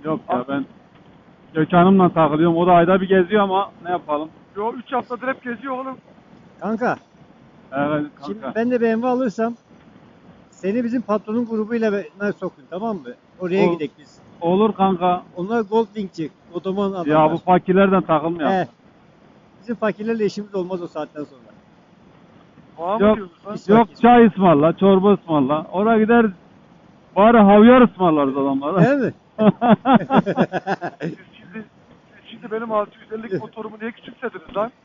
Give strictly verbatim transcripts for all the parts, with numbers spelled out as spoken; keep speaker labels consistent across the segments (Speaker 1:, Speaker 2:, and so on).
Speaker 1: Yok ya ben Gökhan'ımla takılıyorum. O da ayda bir geziyor ama ne yapalım?
Speaker 2: Yo üç haftadır hep geziyor oğlum.
Speaker 3: Kanka,
Speaker 1: Evet
Speaker 3: şimdi
Speaker 1: kanka.
Speaker 3: ben de B M W alırsam seni bizim patronun grubuyla be- sokun, tamam mı? Oraya
Speaker 1: Ol-
Speaker 3: gidelim biz.
Speaker 1: Olur kanka.
Speaker 3: Onlar Goldwing'ci, Otoman adamlar.
Speaker 1: Ya bu fakirlerden takılmayalım.
Speaker 3: He. Bizim fakirlerle işimiz olmaz o saatten sonra.
Speaker 2: Bana mı
Speaker 1: Yok,
Speaker 2: diyorsun lan?
Speaker 3: Biz
Speaker 1: yok
Speaker 3: fakir.
Speaker 1: çay ısmarla, çorba ısmarla. Oraya gider bari havyar ısmarlarız adamlara.
Speaker 3: Değil mi?
Speaker 2: Siz şimdi, siz şimdi benim altı yüz ellilik motorumu niye küçümsediniz lan?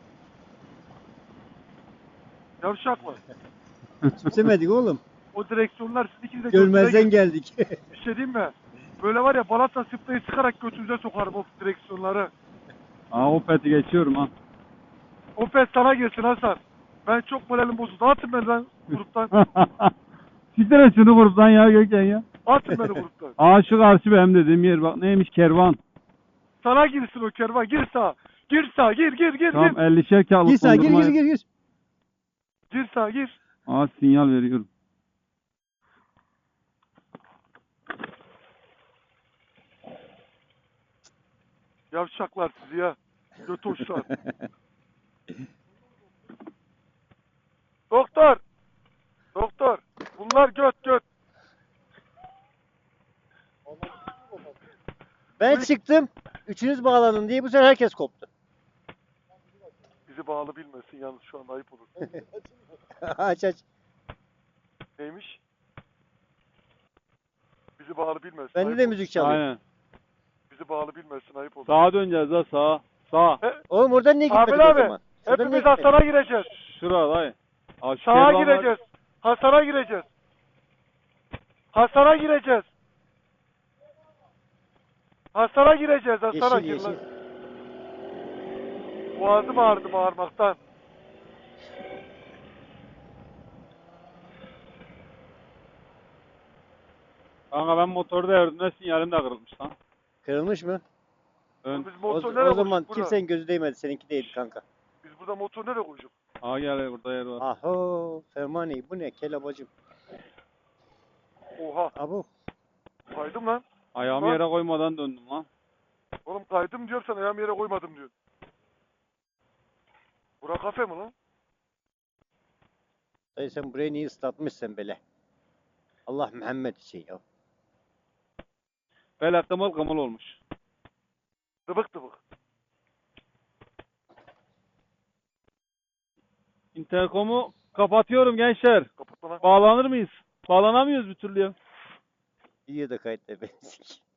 Speaker 2: Yavşaklar.
Speaker 3: Küçümsemedik oğlum.
Speaker 2: O direksiyonlar siz ikiniz de
Speaker 3: Görmezden
Speaker 2: götüne-
Speaker 3: geldik.
Speaker 2: Bir şey diyeyim mi? Böyle var ya balata sprayı sıkarak götünüze sokarım o direksiyonları.
Speaker 1: Aa o peti geçiyorum ha.
Speaker 2: O pes sana gelsin Hasan. Ben çok moralim bozuldu. Atın beni lan gruptan.
Speaker 1: Siktir et şunu gruptan ya Gökhan ya.
Speaker 2: Atın beni gruptan.
Speaker 1: Aa şu karşı benim dediğim yer bak neymiş kervan.
Speaker 2: Sana girsin o kervan. Gir sağa. Gir sağa. Gir gir gir
Speaker 1: Tamam
Speaker 2: gir.
Speaker 1: ellişer kağıtlık
Speaker 3: Gir sağa, gir
Speaker 1: dondurma
Speaker 3: gir
Speaker 1: yap.
Speaker 3: gir gir.
Speaker 2: Gir sağa gir.
Speaker 1: Aa sinyal veriyorum.
Speaker 2: Yavşaklar sizi ya. Götoşlar. Doktor. Doktor. Bunlar göt göt.
Speaker 3: Ben çıktım. Üçünüz bağlanın diye bu sefer herkes koptu.
Speaker 2: Bizi bağlı bilmesin yalnız şu anda ayıp olur.
Speaker 3: Aç aç.
Speaker 2: Neymiş? Bizi bağlı bilmesin.
Speaker 3: Bende
Speaker 2: ayıp
Speaker 3: de
Speaker 2: olur.
Speaker 3: müzik çalıyor.
Speaker 1: Aynen.
Speaker 2: Bizi bağlı bilmesin ayıp olur.
Speaker 1: Sağa döneceğiz ha sağa. Sağ.
Speaker 2: He,
Speaker 3: Oğlum oradan niye gitmedik
Speaker 2: Kamil
Speaker 3: o
Speaker 2: abi.
Speaker 3: zaman? Şuradan niye
Speaker 2: Hepimiz
Speaker 3: gitmedik?
Speaker 2: Hasan'a gireceğiz.
Speaker 1: Şurada dayı. Aa, şu
Speaker 2: Sağa
Speaker 1: kervan var.
Speaker 2: gireceğiz. Hasan'a gireceğiz. Hasan'a gireceğiz. Hasan'a gireceğiz. Hasan'a
Speaker 3: Yeşil
Speaker 2: gir lan.
Speaker 3: yeşil.
Speaker 2: Boğazım ağrıdı bağırmaktan.
Speaker 1: Kanka ben motoru devirdim de sinyalim de kırılmış lan.
Speaker 3: Kırılmış mı?
Speaker 1: Ön.
Speaker 2: Biz
Speaker 3: O,
Speaker 2: motor nereye
Speaker 3: o zaman
Speaker 2: koyduk burada?
Speaker 3: kimsenin gözü değmedi. Seninki değildi kanka.
Speaker 2: Biz burada motor nereye koyduk?
Speaker 1: Aa gel burada yer var.
Speaker 3: Aho. Fermani bu ne? Kelabacım.
Speaker 2: Oha.
Speaker 3: Abo.
Speaker 2: Kaydım lan.
Speaker 1: Ayağımı
Speaker 2: Bak.
Speaker 1: yere koymadan döndüm lan.
Speaker 2: Oğlum kaydım diyor sen ayağımı yere koymadım diyor. Bura kafe mi lan?
Speaker 3: Dayı sen burayı niye ıslatmışsın böyle? Allah Muhammed için ya.
Speaker 1: Böyle kımıl kımıl olmuş.
Speaker 2: Dıbık dıbık.
Speaker 1: Interkomu kapatıyorum gençler.
Speaker 2: Kapatma lan.
Speaker 1: Bağlanır mıyız? Bağlanamıyoruz bir türlü ya.
Speaker 3: Videoda kayıtlı ben.